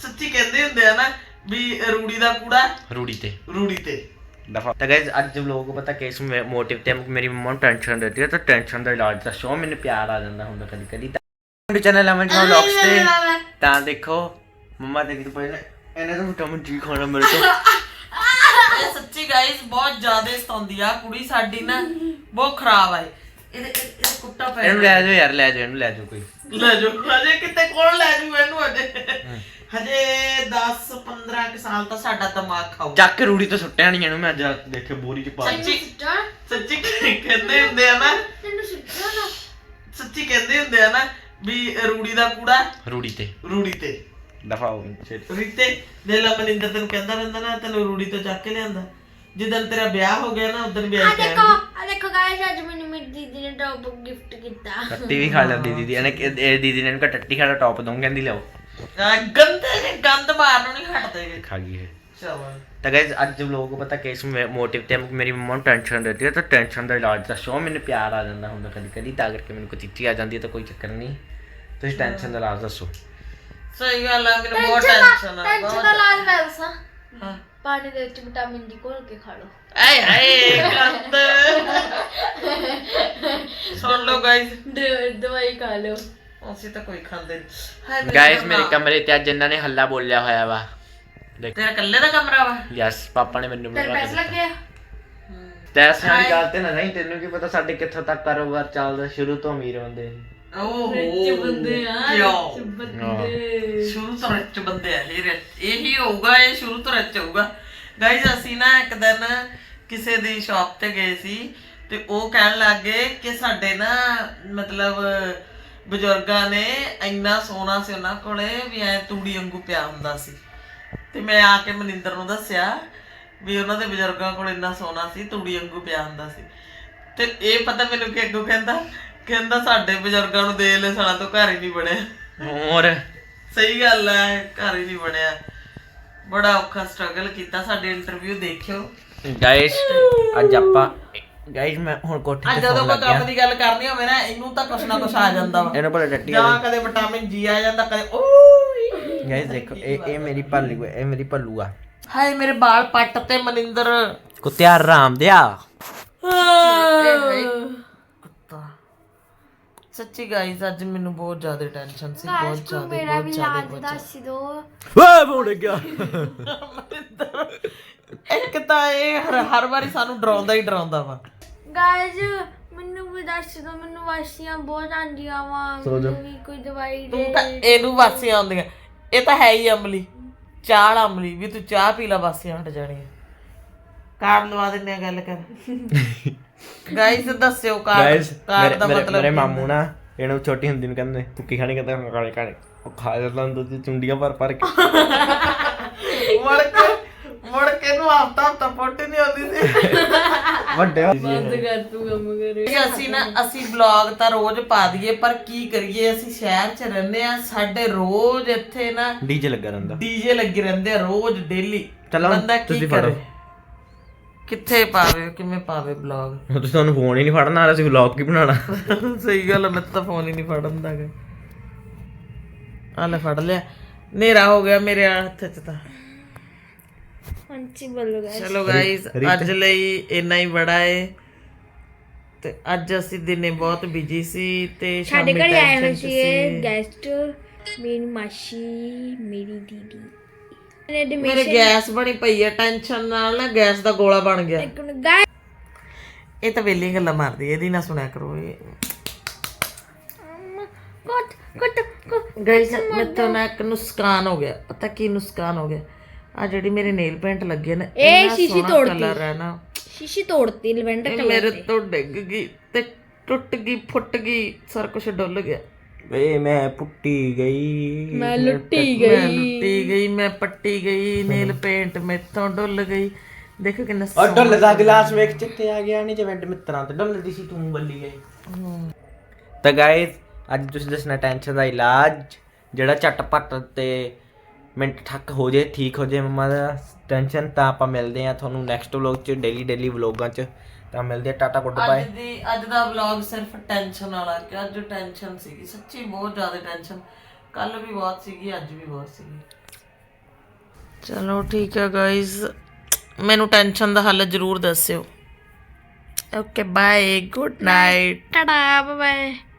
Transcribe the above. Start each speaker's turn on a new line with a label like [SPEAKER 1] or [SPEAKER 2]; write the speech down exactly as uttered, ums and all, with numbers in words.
[SPEAKER 1] ਸੱਚੀ ਕਹਿੰਦੇ ਹੁੰਦੇ ਆ ਨਾ ਵੀ ਰੂੜੀ ਦਾ ਕੂੜਾ
[SPEAKER 2] रूड़ी ते
[SPEAKER 1] ਰੂੜੀ ਤੇ
[SPEAKER 2] दफा तो गाइस आज जब लोगों को पता किस मोटिव ते मेरी मम्मा टेंशन रहती है तो टेंशन का इलाज दसो मैंने प्यार आ जाता हूँ कभी कभी चैनल अमन व्लॉग्स ते ता देखो मम्मा देखी तो पहले ਇਹਨੇ ਤਾਂ ਵਿਟਾਮਿਨ ਡੀ ਖਾਣਾ ਮੇਰੇ ਤੋਂ
[SPEAKER 1] ਇਹ ਸੱਚੀ ਗਾਇਸ ਬਹੁਤ ਜ਼ਿਆਦਾ ਸਤਾਉਂਦੀ ਆ ਕੁੜੀ ਸਾਡੀ ਨਾ ਬਹੁਤ ਖਰਾਬ ਆ ਇਹਦੇ ਇਹ ਕੁੱਟਾ ਪੈ
[SPEAKER 2] ਇਹਨੂੰ ਲੈ ਜਾਓ ਯਾਰ ਲੈ ਜਾਓ ਇਹਨੂੰ ਲੈ ਜਾਓ ਕੋਈ
[SPEAKER 1] ਲੈ ਜਾਓ ਹਜੇ ਕਿਤੇ ਕੋਲ ਲੈ ਜਾਊ ਇਹਨੂੰ ਹਜੇ ਹਜੇ ਦਸ ਪੰਦਰਾਂ ਕੁ ਸਾਲ ਤਾਂ ਸਾਡਾ ਦਿਮਾਗ ਖਾਊ
[SPEAKER 2] ਚੱਕ ਕੇ ਰੂੜੀ ਤੋਂ ਸੁੱਟਿਆ ਨਹੀਂ ਇਹਨੂੰ ਮੈਂ ਅੱਜ ਦੇਖੇ ਬੋਰੀ ਚ ਪਾ
[SPEAKER 1] ਸੱਚੀ ਸੱਚੀ ਕਹਿੰਦੇ ਹੁੰਦੇ ਆ ਨਾ ਤੈਨੂੰ ਸੁੱਟਿਆ ਨਾ ਸੱਚੀ ਕਹਿੰਦੇ ਹੁੰਦੇ ਆ ਨਾ ਵੀ ਰੂੜੀ ਦਾ ਕੂੜਾ
[SPEAKER 2] ਰੂੜੀ ਤੇ
[SPEAKER 1] ਰੂੜੀ ਤੇ
[SPEAKER 2] ਦਫਾ ਹੋ
[SPEAKER 1] ਰੀਤੇ ਦੇ ਲਾ ਮਨਿੰਦਰ ਤੈਨੂੰ ਕਹਿੰਦਾ ਰਹਿੰਦਾ ਨਾ ਤੈਨੂੰ ਰੂੜੀ ਤੋਂ ਚੱਕ ਕੇ ਲਿਆਂਦਾ ਜਿੱਦਣ ਤੇਰਾ ਵਿਆਹ ਹੋ ਗਿਆ ਨਾ ਉਦੋਂ ਵੀ ਆਈ
[SPEAKER 3] ਦੇਖੋ ਆ ਦੇਖੋ ਗਾਇਸ ਅੱਜ ਮੈਨੂੰ ਮੇਰੀ ਦੀਦੀ ਨੇ ਟੌਪ ਗਿਫਟ ਕੀਤਾ
[SPEAKER 2] ਟੱਟੀ ਵੀ ਖਾ ਲੈਂਦੀ ਦੀਦੀ ਇਹਨੇ ਇਹ ਦੀਦੀ ਨੇ ਇਹਨੂੰ ਟੱਟੀ ਖਾਣਾ ਟੌਪ ਦਊਂ ਕਹਿੰਦੀ ਲਿਆਓ
[SPEAKER 1] ਗੰਦੇ ਨੇ ਗੰਦ ਮਾਰਨੋਂ ਨਹੀਂ ਹਟਦੇ
[SPEAKER 2] खा गई है
[SPEAKER 1] चलो
[SPEAKER 2] तो गाइस आज जब लोगों को पता किस मोटिव ते मेरी मम्मा को टेंशन रहती है तो टेंशन का इलाज दसो मैंने प्यार आ जाता हूँ कभी कभी ता करके मैंने कोई चिट्ठी आ जाती है तो कोई चक्कर नहीं तो इस टेंशन का इलाज दसो
[SPEAKER 1] सही गल है मेरे बहुत टेंशन है
[SPEAKER 3] टेंशन ਦਾ ਇਲਾਜ ਮੈਂ ਦੱਸਾਂ
[SPEAKER 1] हां
[SPEAKER 3] ਪਾਣੀ ਦੇ ਵਿੱਚ ਵਿਟਾਮਿਨ ਡੀ ਘੋਲ ਕੇ ਖਾ ਲਓ
[SPEAKER 1] ਆਏ ਹਾਏ ਗੰਦ ਸੁਣ ਲਓ ਗਾਇਸ
[SPEAKER 3] ਦਵਾਈ ਖਾ ਲਓ
[SPEAKER 1] ਅਸੀਂ ਤਾਂ ਕੋਈ ਖਾਂਦੇ ਨਹੀਂ
[SPEAKER 2] गाइस मेरे कमरे ते आज इन्होंने हल्ला बोलिया होया वा देख
[SPEAKER 1] ਤੇਰਾ ਇਕੱਲੇ ਦਾ ਕਮਰਾ ਵਾ
[SPEAKER 2] यस पापा ने मैंने
[SPEAKER 3] ਤੇਰੇ ਪੈਸੇ ਲੱਗੇ
[SPEAKER 2] ਪੈਸੇ ਵਾਲੀ ਗੱਲ ਤੇ ਨਾ ਨਹੀਂ ਤੈਨੂੰ ਕੀ ਪਤਾ ਸਾਡੇ ਕਿੱਥੋਂ ਤੱਕ ਕਾਰੋਬਾਰ ਚੱਲਦਾ ਸ਼ੁਰੂ ਤੋਂ ਅਮੀਰ ਹੁੰਦੇ
[SPEAKER 1] ਓਹੋ
[SPEAKER 3] ਰਿਚ ਬੰਦੇ ਆ ਰਿਚ ਬੰਦੇ
[SPEAKER 1] ਸ਼ੁਰੂ ਤੋਂ ਰਿਚ ਬੰਦੇ ਆ ਇਹ ਰਿਚ ਇਹੀ ਹੋਊਗਾ ਇਹ ਸ਼ੁਰੂ ਤੋਂ ਰਿਚ ਹੋਊਗਾ ਗਾਇਸ ਅਸੀਂ ਨਾ ਇੱਕ ਦਿਨ ਕਿਸੇ ਦੀ ਸ਼ਾਪ ਤੇ ਗਏ ਸੀ ਤੇ ਉਹ ਕਹਿਣ ਲੱਗੇ ਕਿ ਸਾਡੇ ਨਾ ਮਤਲਬ ਬਜ਼ੁਰਗਾਂ ਨੇ ਇੰਨਾ ਸੋਨਾ ਸੀ ਉਹਨਾਂ ਕੋਲੇ ਵੀ ਐ ਤੂੜੀ ਵਾਂਗੂ ਪਿਆ ਹੁੰਦਾ ਸੀ ਤੇ ਮੈਂ ਆ ਕੇ ਮਨਿੰਦਰ ਨੂੰ ਦੱਸਿਆ ਵੀ ਉਹਨਾਂ ਦੇ ਬਜ਼ੁਰਗਾਂ ਕੋਲ ਇੰਨਾ ਸੋਨਾ ਸੀ ਤੂੜੀ ਵਾਂਗੂ ਪਿਆ ਹੁੰਦਾ ਸੀ ਤੇ ਇਹ ਪਤਾ ਮੈਨੂੰ ਕਿ ਅੱਗੋਂ ਕਹਿੰਦਾ ਕਹਿੰਦਾ ਸਾਡੇ ਬਜ਼ੁਰਗਾਂ ਨੂੰ ਦੇ ਲੈ ਸਾਡਾ ਤੋਂ ਘਰ ਹੀ ਨਹੀਂ ਬਣਿਆ
[SPEAKER 2] ਹੋਰ
[SPEAKER 1] ਸਹੀ ਗੱਲ ਹੈ ਘਰ ਹੀ ਨਹੀਂ ਬਣਿਆ ਬੜਾ ਔਖਾ ਸਟਰਗਲ ਕੀਤਾ ਸਾਡੇ ਇੰਟਰਵਿਊ ਦੇਖਿਓ
[SPEAKER 2] ਗਾਇਸ ਅੱਜ ਆਪਾਂ ਗਾਇਸ ਮੈਂ ਹੁਣ ਕੋਠੇ
[SPEAKER 1] ਅੱਜ
[SPEAKER 2] ਤੇ
[SPEAKER 1] ਜਦੋਂ
[SPEAKER 2] ਫੋਨ
[SPEAKER 1] ਕੋਈ
[SPEAKER 2] ਲੱਗਿਆ
[SPEAKER 1] ਕੰਮ ਦੀ ਗੱਲ ਕਰਨੀ ਹੋਵੇ ਨਾ ਇਹਨੂੰ ਤਾਂ ਕੁਛ ਨਾ ਕੁਛ ਆ ਜਾਂਦਾ ਵਾ
[SPEAKER 2] ਇਹਨੂੰ ਬੜਾ ਟੱਟੀ
[SPEAKER 1] ਜਾਂ ਕਦੇ ਵਿਟਾਮਿਨ ਜੀ ਆ ਜਾਂਦਾ ਕਦੇ ਓਏ
[SPEAKER 2] ਗਾਇਸ ਦੇਖੋ ਇਹ ਇਹ ਮੇਰੀ ਭੱਲੂ ਇਹ ਮੇਰੀ ਭੱਲੂ ਆ
[SPEAKER 1] ਹਾਏ ਮੇਰੇ ਵਾਲ ਪੱਟ ਤੇ ਮਨਿੰਦਰ
[SPEAKER 2] ਕੁੱਤਿਆ ਰਾਮ ਦਿਆ
[SPEAKER 1] ਕੁੱਤਾ ਸੱਚੀ ਗਾਇਸ ਅੱਜ ਮੈਨੂੰ ਬਹੁਤ ਜ਼ਿਆਦਾ ਟੈਨਸ਼ਨ ਸੀ ਬਹੁਤ ਜ਼ਿਆਦਾ
[SPEAKER 3] ਮੇਰਾ
[SPEAKER 1] ਬਹੁਤ
[SPEAKER 3] ਵੀ
[SPEAKER 1] ਜ਼ਿਆਦਾ
[SPEAKER 3] ਇਲਾਜ ਦੱਸ ਦੋ
[SPEAKER 2] ਓਏ ਫੋੜ ਗਿਆ
[SPEAKER 1] ਮਨਿੰਦਰ ਇੱਕ ਤਾਂ ਇਹ ਹਰ ਹਰ ਵਾਰੀ ਸਾਨੂੰ ਡਰਾਉਂਦਾ ਹੀ ਡਰਾਉਂਦਾ ਵਾ
[SPEAKER 3] ਗਾਇਸ ਮੈਨੂੰ ਵੀ ਦੱਸ ਦੋ ਮੈਨੂੰ ਵਾਸੀਆਂ ਬਹੁਤ ਆਂਦੀਆਂ ਵਾ ਮੈਨੂੰ ਵੀ ਕੋਈ ਦਵਾਈ
[SPEAKER 1] ਤੂੰ
[SPEAKER 3] ਦੇ
[SPEAKER 1] ਤਾਂ ਇਹਨੂੰ ਵਾਸੀਆਂ ਆਉਂਦੀਆਂ ਇਹ ਤਾਂ ਹੈ ਹੀ ਅਮਲੀ ਚਾਹ ਅਮਲੀ ਵੀ ਤੂੰ ਚਾਹ ਪੀ ਲਾ ਵਾਸੀਆਂ ਹਟ ਜਾਣੀਆਂ ਕਾਰਡ ਲਵਾ ਦਿੰਦੇ ਆ ਗੱਲ ਕਰ ਗਾਇਸ ਦੱਸਿਓ ਕਾਰਡ
[SPEAKER 2] ਗਾਇਸ
[SPEAKER 1] ਕਾਰਡ ਦਾ ਮਤਲਬ
[SPEAKER 2] ਮੇਰੇ ਮਾਮੂ ਨਾ ਇਹਨੂੰ ਛੋਟੀ ਹੁੰਦੀ ਨੂੰ ਕਹਿੰਦੇ ਭੁੱਕੀ ਖਾਣੀ ਕਹਿੰਦਾ ਕਾਲੇ ਕਾਲੇ ਉਹ ਖਾ ਜਾਂਦਾ ਹੁੰਦਾ ਸੀ ਚੁੰਡੀਆਂ ਭਰ ਭਰ ਕੇ
[SPEAKER 1] ਮੁੜ ਕੇ ਮੁੜ ਕੇ ਨੂੰ ਹਫਤਾ ਹਫਤਾ ਪੋਟੀ ਨਹੀਂ ਆਉਂਦੀ ਸੀ
[SPEAKER 2] ਵੱਡੇ
[SPEAKER 3] ਬੰਦ ਕਰ ਤੂੰ ਕੰਮ ਕਰੇ
[SPEAKER 1] ਅਸੀਂ ਨਾ ਅਸੀਂ ਵਲੌਗ ਤਾਂ ਰੋਜ਼ ਪਾ ਦਈਏ ਪਰ ਕੀ ਕਰੀਏ ਅਸੀਂ ਸ਼ਹਿਰ 'ਚ ਰਹਿੰਦੇ ਆ ਸਾਡੇ ਰੋਜ਼ ਇੱਥੇ ਨਾ
[SPEAKER 2] ਡੀਜੇ ਲੱਗਾ ਰਹਿੰਦਾ
[SPEAKER 1] ਡੀਜੇ ਲੱਗੇ ਰਹਿੰਦੇ ਆ ਰੋਜ਼ ਡੇਲੀ
[SPEAKER 2] ਚਲੋ
[SPEAKER 1] ਬੰਦਾ ਕੀ
[SPEAKER 2] ਤੁਸੀਂ
[SPEAKER 1] ਕਰੇ
[SPEAKER 2] ਫੜੋ
[SPEAKER 1] ਕਿੱਥੇ ਪਾਵੇ ਕਿਵੇਂ ਪਾਵੇ ਵਲੌਗ
[SPEAKER 2] ਤੁਸੀਂ ਤੁਹਾਨੂੰ ਫੋਨ ਹੀ ਨਹੀਂ ਫੜਨਾ ਆ ਅਸੀਂ ਵਲੌਗ ਕੀ ਬਣਾਉਣਾ
[SPEAKER 1] ਸਹੀ ਗੱਲ ਮੈਂ ਤਾਂ ਫੋਨ ਹੀ ਨਹੀਂ ਫੜਨ ਦਾ ਗਾ ਆ ਲੈ ਫੜ ਲਿਆ ਹਨੇਰਾ ਹੋ ਗਿਆ ਮੇਰੇ ਹੱਥ 'ਚ ਤਾਂ
[SPEAKER 3] ਹਾਂਜੀ ਬੋਲੋ ਗਾਇਸ
[SPEAKER 1] ਚਲੋ ਗਾਇਸ ਅੱਜ ਲਈ ਇੰਨਾ ਹੀ ਬੜਾ ਏ ਤੇ ਅੱਜ ਅਸੀਂ ਦਿਨੇ ਬਹੁਤ ਬਿਜੀ ਸੀ ਤੇ
[SPEAKER 3] ਸਾਡੇ
[SPEAKER 1] ਸ਼ਾਮੀ
[SPEAKER 3] ਘਰ ਆਏ ਹੋਏ
[SPEAKER 1] ਟੈਨਸ਼ਨ
[SPEAKER 3] ਸੀ
[SPEAKER 1] ਸੀ
[SPEAKER 3] ਗੈਸਟ ਮੇਰੀ ਮਾਸੀ ਮੇਰੀ ਦੀਦੀ
[SPEAKER 1] ਮੇਰੇ ਗੈਸ ਬਣੀ ਪਈ ਹੈ ਟੈਨਸ਼ਨ ਨਾਲ ਨਾ ਗੈਸ ਦਾ ਗੋਲਾ ਬਣ ਗਿਆ ਇਹ ਤਾਂ ਵੇਲੀ ਗੱਲਾਂ ਮਾਰਦੀ ਇਹਦੀ ਨਾ ਸੁਣਿਆ ਕਰੋ ਇਹ
[SPEAKER 3] ਕੋਟ ਕੋਟ
[SPEAKER 1] ਗਾਇਸ ਮੈਨੂੰ ਨਾ ਇੱਕ ਨੁਕਸਾਨ ਹੋ ਗਿਆ ਪਤਾ ਕੀ ਨੁਕਸਾਨ ਹੋ ਗਿਆ ਆ ਜਿਹੜੀ ਮੇਰੇ ਨੇਲ ਪੇਂਟ ਲੱਗੇ ਨਾ
[SPEAKER 3] ਇਹ ਸ਼ੀਸ਼ੀ ਤੋੜਤੀ
[SPEAKER 1] ਕਲਰ ਹੈ ਨਾ
[SPEAKER 3] ਸ਼ੀਸ਼ੀ ਤੋੜਤੀ ਲਵੈਂਡਰ
[SPEAKER 1] ਇਹ
[SPEAKER 3] ਕਲਰ
[SPEAKER 1] ਮੇਰੇ ਤੋਂ ਡਿੱਗ ਗਈ ਤੇ ਟੁੱਟ ਗਈ ਫੁੱਟ ਗਈ ਸਾਰਾ ਕੁਝ ਡੁੱਲ ਗਿਆ
[SPEAKER 2] ਵੇ ਮੈਂ ਪੁੱਟੀ ਗਈ
[SPEAKER 3] ਮੈਂ ਲੁੱਟੀ
[SPEAKER 1] ਮੈਂ
[SPEAKER 3] ਗਈ
[SPEAKER 1] ਲੁੱਟੀ ਗਈ ਮੈਂ ਪੱਟੀ ਗਈ ਨੇਲ ਪੇਂਟ ਮੇਥੋਂ ਡੁੱਲ ਗਈ ਦੇਖੋ ਕਿੰਨਾ
[SPEAKER 2] ਔਰ ਡੁੱਲ ਦਾ ਗਲਾਸ ਵੇਖ ਚਿੱਤੇ ਆ ਗਿਆ ਨਹੀਂ ਜਿਵੇਂ ਮਿੱਤਰਾਂ ਤੇ ਡੁੱਲਦੀ ਸੀ ਤੂੰ ਬੱਲੀ ਗਈ ਤਾਂ ਗਾਇਸ ਅੱਜ ਤੁਸੀਂ ਦੱਸਣਾ ਟੈਨਸ਼ਨ ਦਾ ਇਲਾਜ ਜਿਹੜਾ ਝਟਪਟ ਤੇ ਮਿੰਟ ਠੱਕ ਹੋ ਜੇ ਠੀਕ ਹੋ ਜੇ ਮੰਮਾ ਦਾ ਟੈਨਸ਼ਨ ਤਾਂ ਆਪਾਂ ਮਿਲਦੇ ਆ ਤੁਹਾਨੂੰ ਨੈਕਸਟ ਵਲੌਗ 'ਚ ਡੇਲੀ ਡੇਲੀ ਵਲੌਗਾਂ 'ਚ ਤਾਂ ਮਿਲਦੇ ਆ ਟਾਟਾ ਗੁੱਡ ਬਾਏ
[SPEAKER 1] ਅੱਜ ਦੀ ਅੱਜ ਦਾ ਵਲੌਗ ਸਿਰਫ ਟੈਨਸ਼ਨ ਵਾਲਾ ਕਿ ਅੱਜ ਟੈਨਸ਼ਨ ਸੀਗੀ ਸੱਚੀ ਬਹੁਤ ਜ਼ਿਆਦਾ ਟੈਨਸ਼ਨ ਕੱਲ ਵੀ ਬਹੁਤ ਸੀਗੀ ਅੱਜ ਵੀ ਬਹੁਤ ਸੀਗੀ ਚਲੋ ਠੀਕ ਹੈ ਗਾਇਜ਼, ਮੈਨੂੰ ਟੈਨਸ਼ਨ ਦਾ ਹੱਲ ਜ਼ਰੂਰ ਦੱਸਿਓ। Okay bye, good night.
[SPEAKER 3] Tata bye.